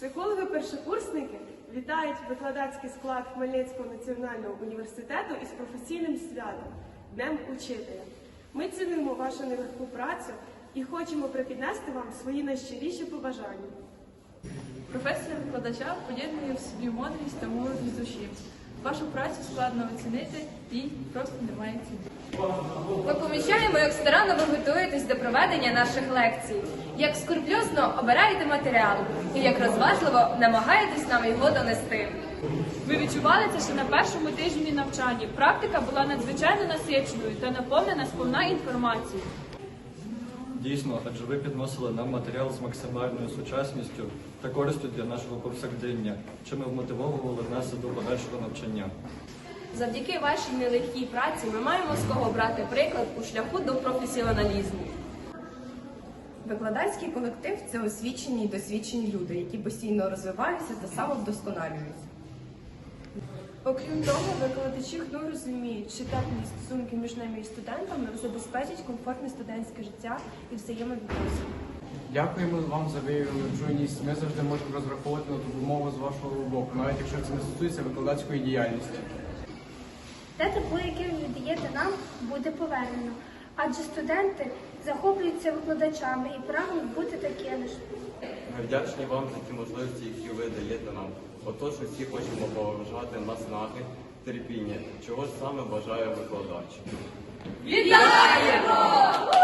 Психологи-першокурсники вітають викладацький склад Хмельницького національного університету із професійним святом – Днем Учителя. Ми цінуємо вашу нелегку працю і хочемо припіднести вам свої найщиріші побажання. Професія викладача поєднує в собі мудрість та мужність душі. Вашу працю складно оцінити, їй просто немає ціни. Ми помічаємо, як старанно ви готуєтесь до проведення наших лекцій, як скрупульозно обираєте матеріал і як розважливо намагаєтесь нам його донести. Ви відчували це ще на першому тижні навчання. Практика була надзвичайно насиченою та наповнена сповна інформацією. Дійсно, адже ви підносили нам матеріал з максимальною сучасністю та користю для нашого повсякдення, чим ви вмотивовували нас до подальшого навчання. Завдяки вашій нелегкій праці ми маємо з кого брати приклад у шляху до професіоналізму. Викладацький колектив – це освічені й досвідчені люди, які постійно розвиваються та самовдосконалюються. Окрім того, викладачі ХНУ розуміють, що теплі стосунки між нами і студентами забезпечать комфортне студентське життя і взаємовідносини. Дякуємо вам за виявлену чуйність. Ми завжди можемо розраховувати на допомогу з вашого боку, навіть якщо це не стосується викладацької діяльності. Те тепло, яке ви віддаєте нам, буде повернено. Адже студенти захоплюються викладачами і прагнуть бути такими ж. Ми вдячні вам за ті можливості, які ви даєте нам. Отож, усі хочемо поважати наснаги, терпіння, чого ж саме бажає викладач. Вітаємо!